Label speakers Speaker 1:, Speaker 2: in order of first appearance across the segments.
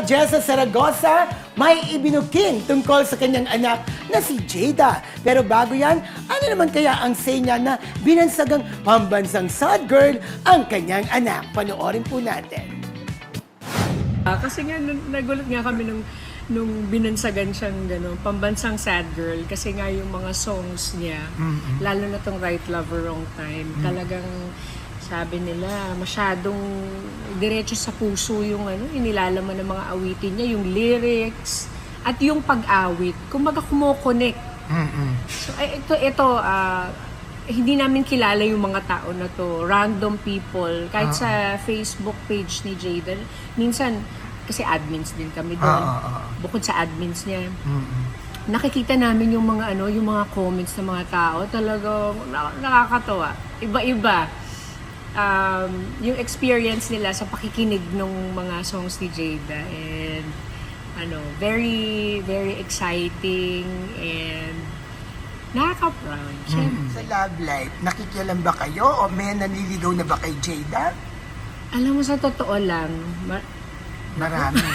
Speaker 1: Jessa Saragosa may ibinuking tungkol sa kanyang anak na si Jada. Pero bago yan, ano naman kaya ang say niya na binansagang pambansang sad girl ang kanyang anak? Panoorin po natin.
Speaker 2: Kasi nga, nagulat nga kami nung binansagan siyang pambansang sad girl. Kasi nga yung mga songs niya, lalo na tong Right Lover Wrong Time, talagang sabi nila, masyadong diretso sa puso yung inilalaman ng mga awitin niya, yung lyrics, at yung pag-awit. Kumbaga kumokonek. So, ito, hindi namin kilala yung mga tao na to. Random people. Kahit sa Facebook page ni Jada, minsan, kasi admins din kami doon. Bukod sa admins niya, nakikita namin yung mga yung mga comments ng mga tao. Talagang nakakatawa. Iba-iba. Yung experience nila sa pakikinig ng mga songs ni Jada, and very very exciting and nakaka-proud.
Speaker 1: Sa love life, nakikialam ba kayo o may nanliligaw na ba kay Jada?
Speaker 2: Alam mo, sa totoo lang,
Speaker 1: Marami.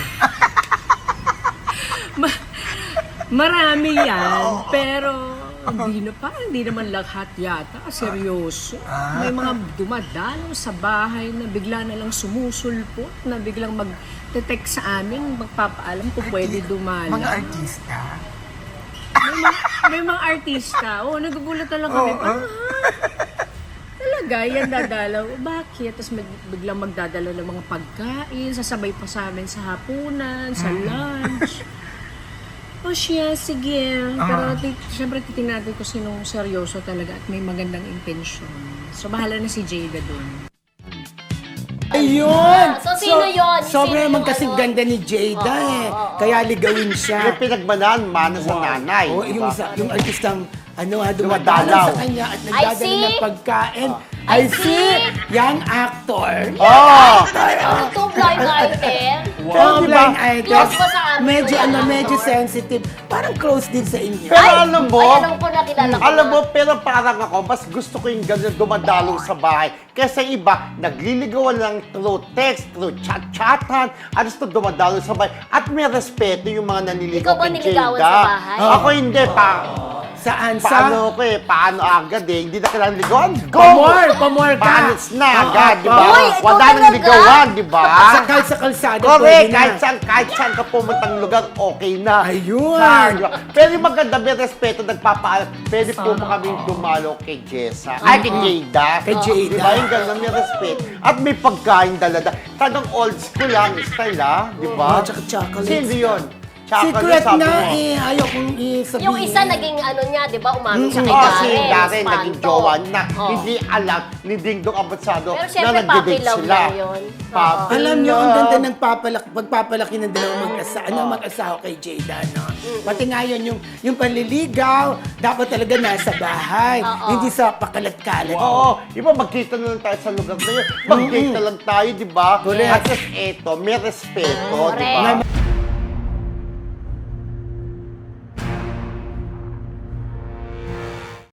Speaker 2: marami yan, pero hindi naman lahat yata seryoso. May mga dumadalaw sa bahay na bigla na lang sumusulpot, na biglang mag-text sa amin, magpapaalam kung pwede dumalaw.
Speaker 1: Mga artista?
Speaker 2: May mga artista. Nagugulat na lang kami. Talaga, yan dadalaw. Bakit? Tapos biglang magdadalaw ng mga pagkain, sasabay pa sa amin sa hapunan, sa lunch. Siya, sige. Pero siyempre titingnan natin kung sinong seryoso talaga at may magandang intensyon. So, bahala na si Jada dun.
Speaker 1: Ayun!
Speaker 3: So, sino yun?
Speaker 1: Sobrang
Speaker 3: Sino
Speaker 1: naman
Speaker 3: yung
Speaker 1: kasing ganda ni Jada Kaya ligawin siya.
Speaker 4: Yung pinagmanan, mana sa nanay.
Speaker 1: Yung, yung artistang dumadalaw
Speaker 4: Dumadalaw.
Speaker 1: sa kanya at nagdadala
Speaker 3: see.
Speaker 1: ng pagkain. I see! Young actor.
Speaker 3: Two blind item.
Speaker 1: Wow.
Speaker 4: Diba?
Speaker 1: Blind item.
Speaker 3: Close ba sa amin?
Speaker 1: Medyo,
Speaker 3: Young
Speaker 1: medyo
Speaker 3: actor?
Speaker 1: sensitive. Parang close din sa inyo.
Speaker 4: Pero alam mo,
Speaker 3: Alam ko, nakilala ko
Speaker 4: alam
Speaker 3: na.
Speaker 4: mo, pero parang ako, mas gusto ko yung ganyan dumadalo sa bahay. Kesa iba, nagliligawan lang through text, through chat-chatan, at gusto dumadalo sa bahay. At may respeto yung mga naniligaw
Speaker 3: Ikaw ba
Speaker 4: kay
Speaker 3: niligawan
Speaker 4: Jada.
Speaker 3: sa bahay?
Speaker 4: Ako hindi,
Speaker 1: Saan?
Speaker 4: paano ko paano agad hindi na kailangan ligawan. Go!
Speaker 1: Pamor ka.
Speaker 4: Panis na agad, di ba?
Speaker 3: Uy, ikaw
Speaker 4: Wala nang
Speaker 3: talaga?
Speaker 4: ligawan, di ba?
Speaker 1: Kahit sa kalsada,
Speaker 4: Correct,
Speaker 1: pwede na.
Speaker 4: kahit saan ka pumuntang lugar, okay na.
Speaker 1: Ayun.
Speaker 4: Diba? Pero yung maganda, may respeto, nagpapaalam. Pwede po ba kaming dumalo kay Jessa? Ay, kay Jada.
Speaker 1: Kay Jada.
Speaker 4: Diba? Yung gano'n, may respeto. At may pagkain dalada. Talagang old school lang, style ha? Diba?
Speaker 1: Tsaka chocolate.
Speaker 4: Sino yun?
Speaker 1: Secret
Speaker 4: sabi
Speaker 1: na
Speaker 4: mo.
Speaker 1: ayaw kong isabihin.
Speaker 3: Yung isa naging niya, di ba, umamin siya kay
Speaker 4: Oh,
Speaker 3: Darren.
Speaker 4: si Darren naging
Speaker 3: Espanto.
Speaker 4: jowa na
Speaker 3: Oh.
Speaker 4: hindi alam ni Ding Dong Abasado
Speaker 3: Pero
Speaker 4: na
Speaker 3: syempre,
Speaker 4: nagde-date
Speaker 3: puppy love
Speaker 4: sila.
Speaker 3: lang yun.
Speaker 4: Puppy
Speaker 1: Alam niyo, ang
Speaker 4: love.
Speaker 1: ganda ng pagpapalaki ng dalawang mag-asawa kay Jada, no? Pati nga yun, yung panliligaw, dapat talaga nasa bahay, hindi sa pakalat-kalat.
Speaker 4: Oo, iba magkita na lang tayo sa lugar na yun. Mag-date na lang tayo, di ba?
Speaker 1: Correct.
Speaker 4: At least eto, may respeto, di ba?
Speaker 3: Correct.